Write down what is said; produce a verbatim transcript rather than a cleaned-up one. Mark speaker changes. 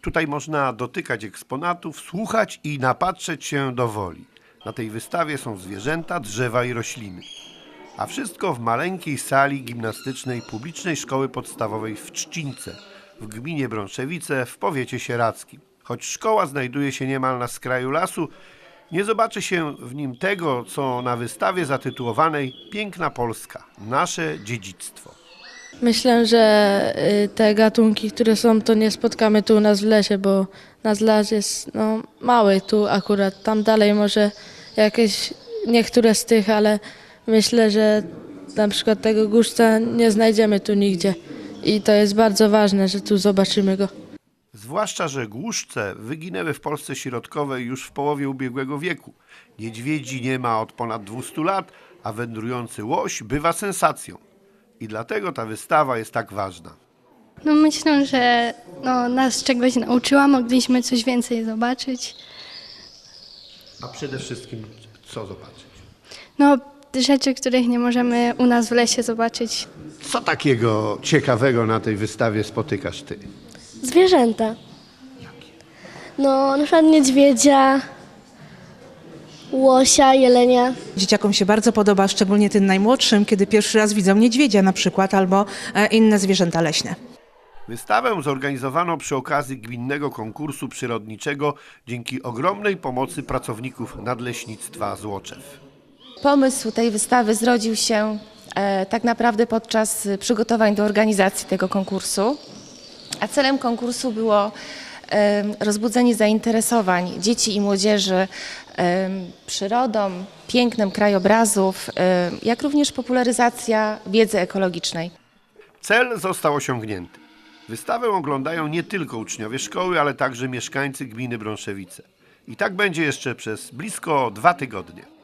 Speaker 1: Tutaj można dotykać eksponatów, słuchać i napatrzeć się do woli. Na tej wystawie są zwierzęta, drzewa i rośliny. A wszystko w maleńkiej sali gimnastycznej Publicznej Szkoły Podstawowej w Trzcince, w gminie Brąszewice, w powiecie sieradzkim. Choć szkoła znajduje się niemal na skraju lasu, nie zobaczy się w nim tego, co na wystawie zatytułowanej Piękna Polska – nasze dziedzictwo.
Speaker 2: Myślę, że y, te gatunki, które są, to nie spotkamy tu u nas w lesie, bo nasz las jest no, mały tu akurat. Tam dalej może jakieś niektóre z tych, ale myślę, że na przykład tego głuszca nie znajdziemy tu nigdzie. I to jest bardzo ważne, że tu zobaczymy go.
Speaker 1: Zwłaszcza, że głuszce wyginęły w Polsce środkowej już w połowie ubiegłego wieku. Niedźwiedzi nie ma od ponad dwustu lat, a wędrujący łoś bywa sensacją. I dlatego ta wystawa jest tak ważna.
Speaker 3: No myślę, że no, nas czegoś nauczyła, mogliśmy coś więcej zobaczyć.
Speaker 1: A przede wszystkim co zobaczyć?
Speaker 3: No rzeczy, których nie możemy u nas w lesie zobaczyć.
Speaker 1: Co takiego ciekawego na tej wystawie spotykasz ty?
Speaker 4: Zwierzęta. No, na przykład niedźwiedzia, łosia, jelenia.
Speaker 5: Dzieciakom się bardzo podoba, szczególnie tym najmłodszym, kiedy pierwszy raz widzą niedźwiedzia na przykład albo e, inne zwierzęta leśne.
Speaker 1: Wystawę zorganizowano przy okazji gminnego konkursu przyrodniczego dzięki ogromnej pomocy pracowników Nadleśnictwa Złoczew.
Speaker 6: Pomysł tej wystawy zrodził się e, tak naprawdę podczas przygotowań do organizacji tego konkursu, a celem konkursu było e, rozbudzenie zainteresowań dzieci i młodzieży e, przyrodą, pięknem krajobrazów, e, jak również popularyzacja wiedzy ekologicznej.
Speaker 1: Cel został osiągnięty. Wystawę oglądają nie tylko uczniowie szkoły, ale także mieszkańcy gminy Brąszewice. I tak będzie jeszcze przez blisko dwa tygodnie.